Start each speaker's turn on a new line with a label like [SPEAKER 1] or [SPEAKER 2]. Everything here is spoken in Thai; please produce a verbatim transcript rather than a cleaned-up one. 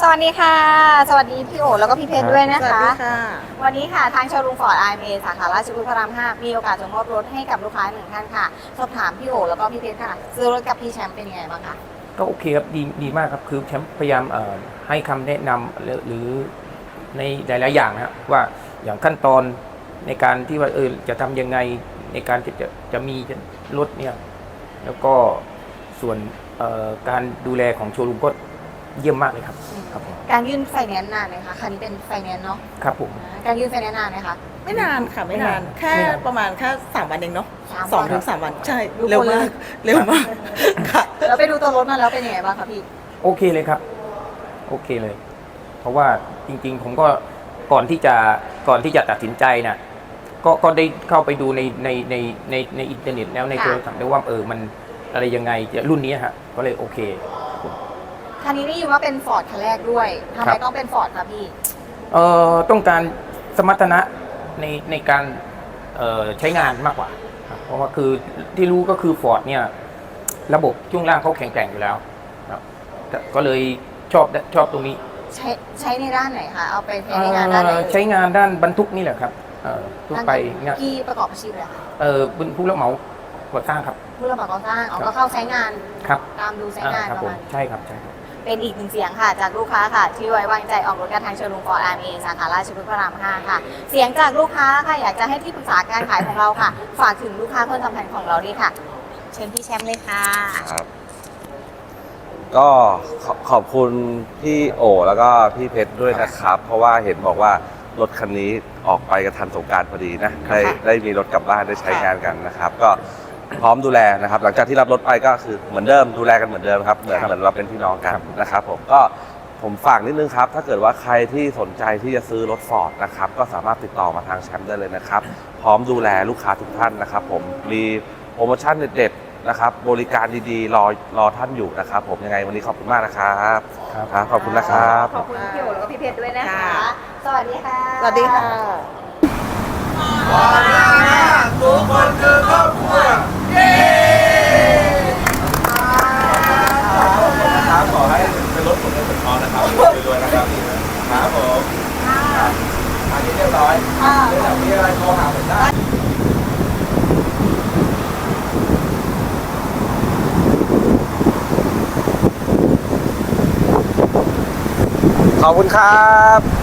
[SPEAKER 1] สวัสดีค่ะสวัสดีพี่โอแล้วก็พี่เพชรด้วยนะ
[SPEAKER 2] สวัส
[SPEAKER 1] คะ
[SPEAKER 2] ดีค่ะ
[SPEAKER 1] วันนี้ค่ะทางโชว์รูมฟอร์ดไอเอสาขาราชพฤกษ์พระรามห้ามีโอกาสส่งมอบรถให้กับลูกค้าหนึ่งท่านค่ะสอบถามพี่โอแล้วก็พี่เพชรค่ะซื้อรถกับพี่แชมป์เป็นยังไงบ้างคะ
[SPEAKER 3] ก็โอเคครับดีดีมากครับคือแชมป์พยายามเอ่อให้คำแนะนำหรือหรือในหลายๆอย่างนะครับว่าอย่างขั้นตอนในการที่ว่าเออจะทำยังไงในการที่จะจะมีรถเนี่ยแล้วก็ส่วนเอ่อการดูแลของโชว์รูมก็เยี่ยมมากเลยครับครับผม
[SPEAKER 1] การยื่นไฟแนนซ์นานไหมคะคันนี้เป็นไฟแนนซ์เนาะ
[SPEAKER 3] ครับผม
[SPEAKER 1] การยื่นไฟแนนซ์นานไหมคะ
[SPEAKER 2] ไม่นานค่ะไม่นาน
[SPEAKER 3] ไม่นาน
[SPEAKER 2] แค่
[SPEAKER 3] ไม่นาน
[SPEAKER 2] ประมาณแค่สามวันเองเนาะ
[SPEAKER 1] สามวัน
[SPEAKER 2] สองถึงสามวันใช่
[SPEAKER 1] ดู
[SPEAKER 2] เร็ว
[SPEAKER 1] คนเลย
[SPEAKER 2] มากเร็วมากค่ะ
[SPEAKER 1] แล้วไปดูตัวรถมาแล้วเป็นยังไงบ้างคะพี่
[SPEAKER 3] โอเคเลยครับโอเคเลย เพราะว่าจริงๆผมก็ก่อนที่จะก่อนที่จะตัดสินใจนะก็ก็ได้เข้าไปดูในในในในในอินเทอร์เน็ตแล้วในโทรศัพท์ได้ว่าเออมันอะไรยังไงจะรุ่นนี้ฮะก็เลยโอเค
[SPEAKER 1] คันนี้ได้ยินว่าเป็นฟอร์ดคันแรกด้วยทำไม
[SPEAKER 3] ครับ
[SPEAKER 1] ต้องเป็นฟอร์ดคะพี่
[SPEAKER 3] เอ่อต้องการสมรรถนะในในการเอ่อใช้งานมากกว่าครับเพราะว่าคือที่รู้ก็คือฟอร์ดเนี่ยระบบช่วงล่างเขาแข็งแกร่งอยู่แล้วครับแต่ก็เลยชอบชอบตรงนี้
[SPEAKER 1] ใช้ใช้ในด้านไหนคะเอาไปใช้ในงานด้านไหน
[SPEAKER 3] เอ่อใช้งานด้านบรรทุกนี่แหละครับเอ่อทั่วไปเนี่ย
[SPEAKER 1] ที่ประกอบอาชีพเลยค่ะ
[SPEAKER 3] เออเป็นผู้รับเหมาก่อสร้างครับ
[SPEAKER 1] ผู้รับเหมาก่อสร้างเอาก็เข้าใช้งาน
[SPEAKER 3] ครับ
[SPEAKER 1] ตามดูใช้
[SPEAKER 3] อ่าง
[SPEAKER 1] าน
[SPEAKER 3] ครับ
[SPEAKER 1] ประ
[SPEAKER 3] ผม
[SPEAKER 1] มาณ
[SPEAKER 3] ใช่ครับใช่ครับ
[SPEAKER 1] เป็นอีกหนึ่งเสียงค่ะจากลูกค้าค่ะที่ไว้วางใจออกรถกันทางโชว์รูมฟอร์ดอาร์เอสาขาราชพฤกษ์พระรามห้าค่ะ เสียงจากลูกค้าค่ะอยากจะให้ที่ปรึกษาการขายของเราค่ะ ฝากถึงลูกค้าคนสำคัญของเราดีค่ะ เชิญพี่แชมป์เลยค่ะ
[SPEAKER 4] ครับก็ขอขอบคุณพี่โอแล้วก็พี่เพชรด้วยนะครับ เพราะว่าเห็นบอกว่ารถคันนี้ออกไปกระทันสงกรานต์พอดีนะได้
[SPEAKER 1] ค่ะ
[SPEAKER 4] ได้มีรถกลับบ้านได้ใช้งานกันนะครับ ก็พร้อมดูแลนะครับ หลังจากที่รับรถไปก็คือเหมือนเดิมดูแลกันเหมือนเดิมครับเหมือน
[SPEAKER 3] ครับ
[SPEAKER 4] เหมือนเราเป็นพี่น้องกันนะครับ ผมก็ผมฝากนิดนึงครับ ถ้าเกิดว่าใครที่สนใจที่จะซื้อรถฟอร์ดนะครับก็สามารถติดต่อมาทางแชมป์ได้เลยนะครับ พร้อมดูแลลูกค้าทุกท่านนะครับ ผมมีโปรโมชั่นเด็ดๆนะครับ บริการดีๆ รอรอท่านอยู่นะครับ ผมยังไงวันนี้ขอบคุณมากนะครับ
[SPEAKER 3] ครับ
[SPEAKER 4] ครับขอบคุณนะครับ
[SPEAKER 1] ขอบคุณพี่โอแล้วก็พี่เพชรด้วยนะคะ
[SPEAKER 2] ค่ะ
[SPEAKER 1] สวัสดีค่ะ
[SPEAKER 2] สวัสดีค่ะ
[SPEAKER 4] ครับขอให้เป็นรถผมเงินเป็นทองนะครับรวยๆนะครับครับผมอันนี้เรียบร้อย
[SPEAKER 1] ค่ะ
[SPEAKER 4] เดี๋ยวมีอะไรโทรหาผมได้ขอบคุณครับ